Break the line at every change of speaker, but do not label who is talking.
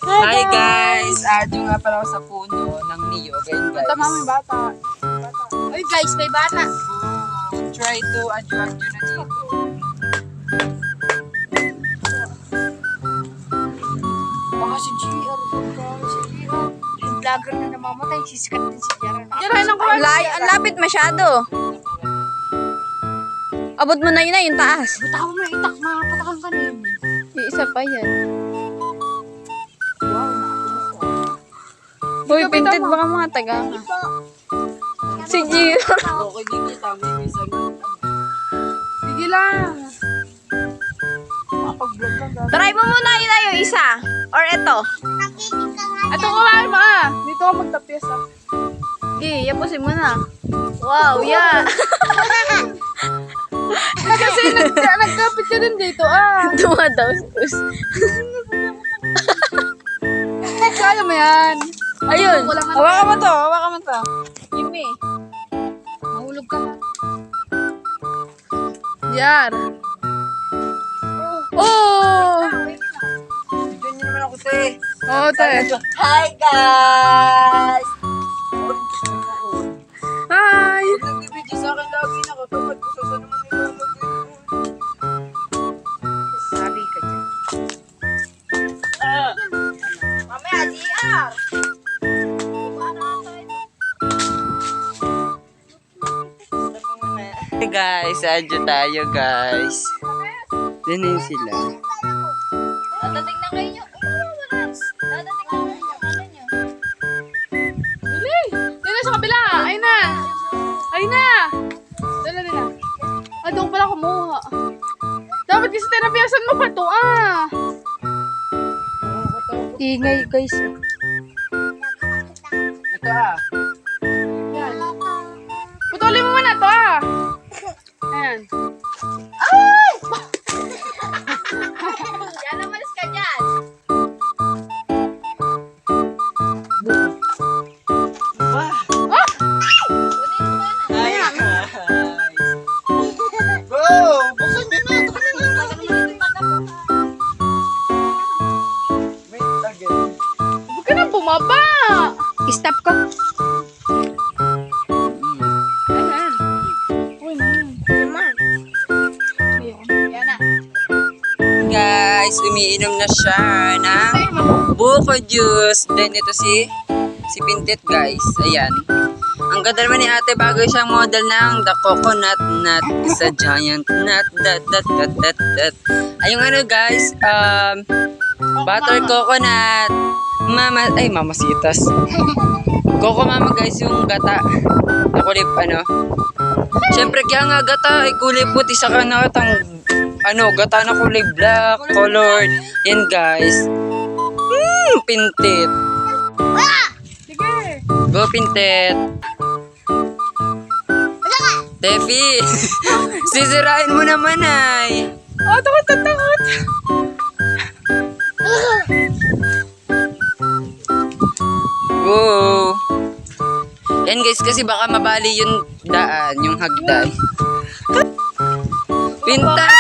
Hi guys! Adyo nga pala ako sa puno ng niyog. Ayun guys.
Tama may bata. Uy guys, may bata.
Try to adyo na dito.
Baka si GR. Yung vlogger na namamatay, sisikat din si GR.
Ang lapit masyado. Abot mo na yun yung taas.
Bitaw mo itak, mapatakan ka na yun.
Yung isa pa yan.
Wow,
Uy, pinted baka mga taga ka. Si Gio.
Okay, di kita. May isang
sige lang. Mapag-vlog lang gagawin.
Try mo muna yun na yung isa. Or ito.
Ito ko nga mo ah. Dito ako magtapyas ah.
Sige, yapusin mo na. Wow, yeah.
Kasi nagkapit ka din dito ah.
Dumadaos.
Kaya mo yan.
Ayun. Hawakan mo to. Hawakan mo to.
Yumi. Mahulog ka na. Yan. Oh!
Diyan nyo naman ako te.
Oh, tayo.
Hi guys!
Hi!
Huwag nagbibidyo sa akin lagi na kapag gusto sa naman nila.
Sabi ka dyan.
Mamaya, GR.
Hey guys, adyo tayo guys. Diyan sila.
Dadating na kayo. Dadating na kayo. Ano nyo?
Dili! Dili sa kabila! Ay na! Ay na! Dala nila. Ah, doon pala kumuha. Dapat kasi terapiyasan mo pa to ah!
Ingay, guys.
Ito ah.
Yan. Putulin mo muna to ah! Ayan.
Yan naman ka dyan.
Hi guys. Go! Buksan nyo na. Wait again.
Huwag ka nang bumaba!
Stop ko.
Ayan. Uy, naman. Yan na.
Guys, umiinom na siya ng buko juice. Then ito si Pintet guys. Ayan. Ang ganda naman ni ate bago siyang model ng the coconut nut is a giant nut. Dat. Ayun ano guys, butter coconut. Mamasitas. Coco mama guys yung gata. Na kulay Siyempre kaya nga gata ay kulay puti sa kanatang gata na kulay black, colored. Yan guys. Pintet.
Sige!
Go Pintet. Tefi. Sisirain mo naman ay.
Oh, takot!
Go. Yan guys kasi baka mabali yung daan, yung hagdan. Pinta.